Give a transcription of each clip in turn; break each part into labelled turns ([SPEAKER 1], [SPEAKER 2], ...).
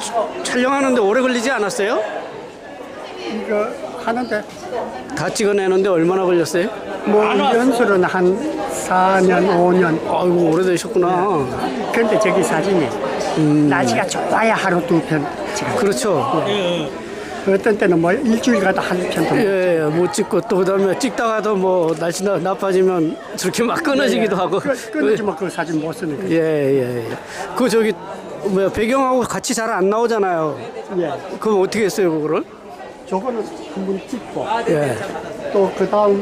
[SPEAKER 1] 촬영하는데 오래 걸리지 않았어요?
[SPEAKER 2] 이거 하는데
[SPEAKER 1] 다 찍어내는데 얼마나 걸렸어요?
[SPEAKER 2] 뭐 연수는 한 4년, 5년.
[SPEAKER 1] 아이고 오래되셨구나.
[SPEAKER 2] 근데 저기 사진이 날씨가 좋아야 하루 두 편 찍어요.
[SPEAKER 1] 그렇죠.
[SPEAKER 2] 어떤 때는 뭐 일주일 가다 한 편도 못
[SPEAKER 1] 예, 못 찍고 또 그다음에 찍다가도 뭐 날씨 나빠지면 저렇게 막 끊어지기도 하고.
[SPEAKER 2] 끊어지면 그 사진 못 쓰는 거예요.
[SPEAKER 1] 예. 그 저기 뭐야 배경하고 같이 잘 안 나오잖아요.
[SPEAKER 2] 예.
[SPEAKER 1] 그럼 어떻게 했어요 그거를?
[SPEAKER 2] 저거는 한 번 찍고
[SPEAKER 1] 예.
[SPEAKER 2] 또 그 다음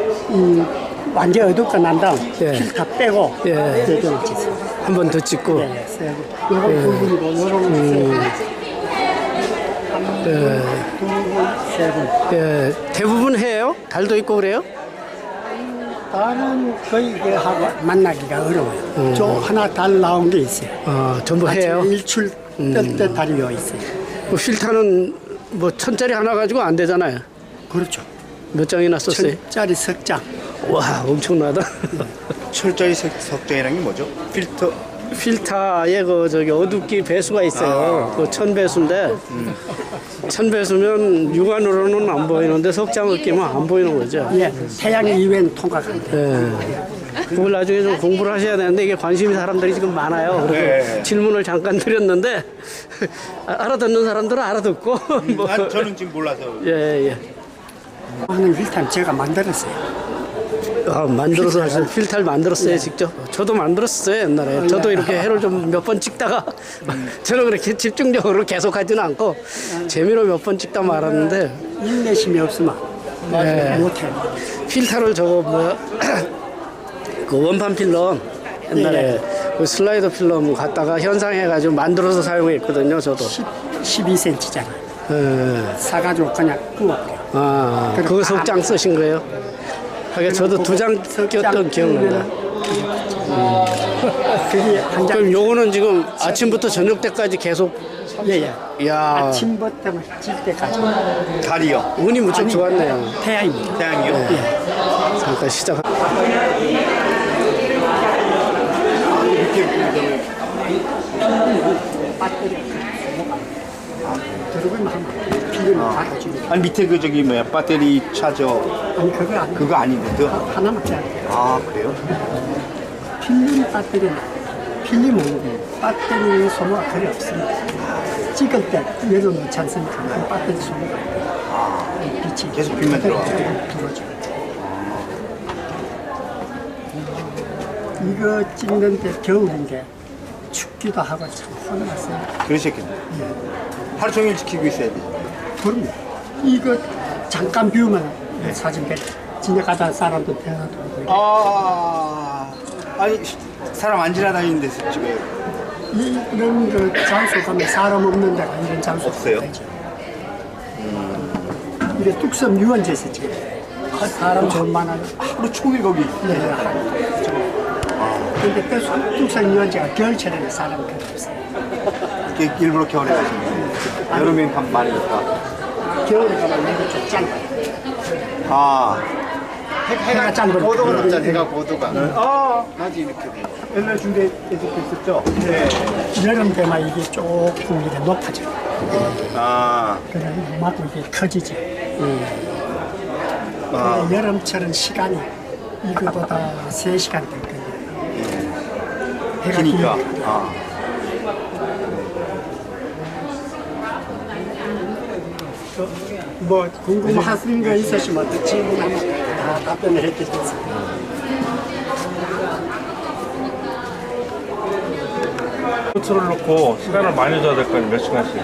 [SPEAKER 2] 완전 어둡고 난 다음
[SPEAKER 1] 예.
[SPEAKER 2] 필터 빼고
[SPEAKER 1] 예.
[SPEAKER 2] 배경을 찍어요.
[SPEAKER 1] 한 번 더 찍고.
[SPEAKER 2] 예, 세고 요건 부분이고 요런 세
[SPEAKER 1] 예.
[SPEAKER 2] 세 분.
[SPEAKER 1] 예. 대부분 해요? 달도 있고 그래요?
[SPEAKER 2] 달은 거의 이게 하고 만나기가 어려워요. 저 하나 달 나온 게 있어요.
[SPEAKER 1] 전부 해요.
[SPEAKER 2] 아침에 일출 뜰 때 달이 와 있어요.
[SPEAKER 1] 그 필터는 뭐 1000짜리 하나 가지고 안 되잖아요.
[SPEAKER 2] 그렇죠.
[SPEAKER 1] 몇 장이나 썼어요?
[SPEAKER 2] 1000짜리 석장.
[SPEAKER 1] 와 엄청나다.
[SPEAKER 3] 철저히 석정이라는 게 뭐죠? 필터.
[SPEAKER 1] 필터에 그 저기 어둡기 배수가 있어요. 그 1000배수인데 1000배수면 육안으로는 안 보이는데 석장을 끼면 안 보이는 거죠.
[SPEAKER 2] 예, 태양 이외는 통과한다.
[SPEAKER 1] 예. 그걸 나중에 좀 공부를 하셔야 되는데 이게 관심이 사람들이 지금 많아요. 그래서
[SPEAKER 3] 네.
[SPEAKER 1] 질문을 잠깐 드렸는데 알아듣는 사람들은 알아듣고 뭐.
[SPEAKER 3] 저는 지금 몰라서.
[SPEAKER 1] 예.
[SPEAKER 2] 하는 힐탄 제가 만들었어요.
[SPEAKER 1] 만들어서 하신 필터를 만들었어요 직접. 저도 만들었어요 옛날에. 저도 이렇게 해를 좀 몇 번 찍다가 저는 그렇게 집중적으로 계속 하지는 않고 재미로 몇 번 찍다 말았는데
[SPEAKER 2] 인내심이 없으면 못해요.
[SPEAKER 1] 필터를 저거 뭐 그 원판 필름 옛날에 그 슬라이더 필름 갖다가 현상해가지고 만들어서 사용했거든요 저도.
[SPEAKER 2] 12cm잖아요.
[SPEAKER 1] 예.
[SPEAKER 2] 사가지고 그냥 구워버려.
[SPEAKER 1] 그거 석장 쓰신 거예요? 하긴 저도 2장 꼈던 기억나요.
[SPEAKER 2] 그게 한 장.
[SPEAKER 1] 그럼 요거는 지금 아침부터 저녁 때까지 계속.
[SPEAKER 2] 예.
[SPEAKER 1] 이야,
[SPEAKER 2] 아침부터 질 때까지.
[SPEAKER 3] 달이요.
[SPEAKER 1] 운이 무척 좋았네요.
[SPEAKER 2] 태양입니다.
[SPEAKER 3] 태양이요.
[SPEAKER 1] 잠깐 시작.
[SPEAKER 2] 들어가면 한 필름을 받아주고.
[SPEAKER 3] 아니 밑에 그 저기 뭐야 배터리 차저
[SPEAKER 2] 아니 그거 아니에요.
[SPEAKER 3] 그거 아닌데
[SPEAKER 2] 하나만 빼야 돼요.
[SPEAKER 3] 아 그래요?
[SPEAKER 2] 필름 배터리는 필름은 배터리 소모가 거의 없습니다. 찍을 때 열어놓지 않습니까? 그 배터리 소모가 빛이
[SPEAKER 3] 계속 빛만 들어와요.
[SPEAKER 2] 들어오죠. 이거 찍는데 겨울인데 춥기도 하고 참 혼났어요.
[SPEAKER 3] 그러셨겠네. 하루 종일 지키고 있어야 돼.
[SPEAKER 2] 그럼요. 이거 잠깐 비우면 사진 배 지나가다 사람도 대화도 하고.
[SPEAKER 3] 아니 사람 안 지나다니는 데서 지금
[SPEAKER 2] 이런 그 장소 가면 사람 없는 데가 이런 장소
[SPEAKER 3] 없어요?
[SPEAKER 2] 되죠. 이게 뚝섬 유원지에서 지금 사람 좀 많아요.
[SPEAKER 3] 하루 종일 거기.
[SPEAKER 2] 네. 근데 그 뚝섬 유원지가 겨울철에는 사람이 거의 없어요.
[SPEAKER 3] 이렇게 일부러 겨울에 가신 거예요. 여름엔 밥 많이 먹다.
[SPEAKER 2] 겨울에 가면 이게 좀 짠 거예요. 해가 짠 거예요.
[SPEAKER 3] 고도가 높잖아. 해가 고도가. 낮이 이렇게 돼. 옛날 중대 계속 있었죠? 네.
[SPEAKER 2] 여름 되면 이게 조금 이렇게 높아져요. 그래 막고 이게 커지지. 여름철은 시간이 이거보다 3시간 될 거예요. 해가
[SPEAKER 3] 기니까.
[SPEAKER 2] 기니까. 뭐 궁금하신 거 있으시면 또 질문하면 다 답변을 해드리겠습니다.
[SPEAKER 4] 포트를 놓고 시간을 많이 줘야 될 거 아니에요? 몇 시간씩?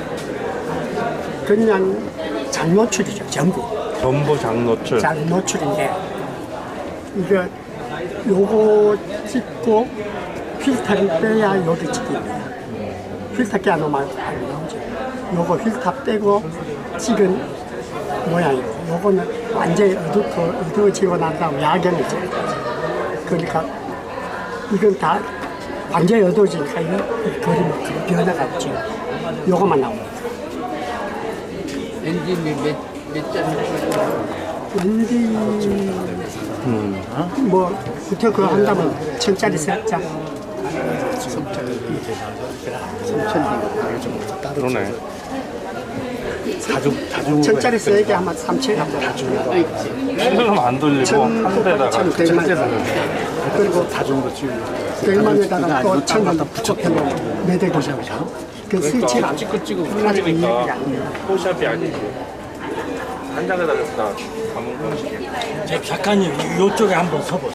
[SPEAKER 2] 그냥 장노출이죠, 전부.
[SPEAKER 4] 전부 장노출.
[SPEAKER 2] 장노출인데 이거 요거 찍고 필터를 빼야 요게 찍힙니다. 필터 깨 안 놓으면 안 나오죠. 요거 필터 빼고 찍은 모양이고 요거는 완전히 어두워지고 난 다음 야경을 찍어요. 그러니까 이건 다 완전히 어두워지니까 이 그림은 그 변화가 없죠. 요거만 나옵니다.
[SPEAKER 5] 엔진이 몇 잔?
[SPEAKER 2] 왠지 뭐 부터 그거 한다면 1000짜리 3장
[SPEAKER 4] 그러네.
[SPEAKER 2] 천짜리 써야지 아마 3천 원
[SPEAKER 4] 필름 안 돌리고 한 대다가
[SPEAKER 2] 그리고 백만에다가 또 1,000원 붙여놓으면 매대고 그 스위치를 안
[SPEAKER 4] 찌끄찌끄
[SPEAKER 2] 가지고 이해가
[SPEAKER 4] 흐르니까
[SPEAKER 2] 안 돼요.
[SPEAKER 4] 포샵이 아니지. 한 장에다 갖다 담은 거지.
[SPEAKER 6] 작가님 이쪽에 한번 서보세요.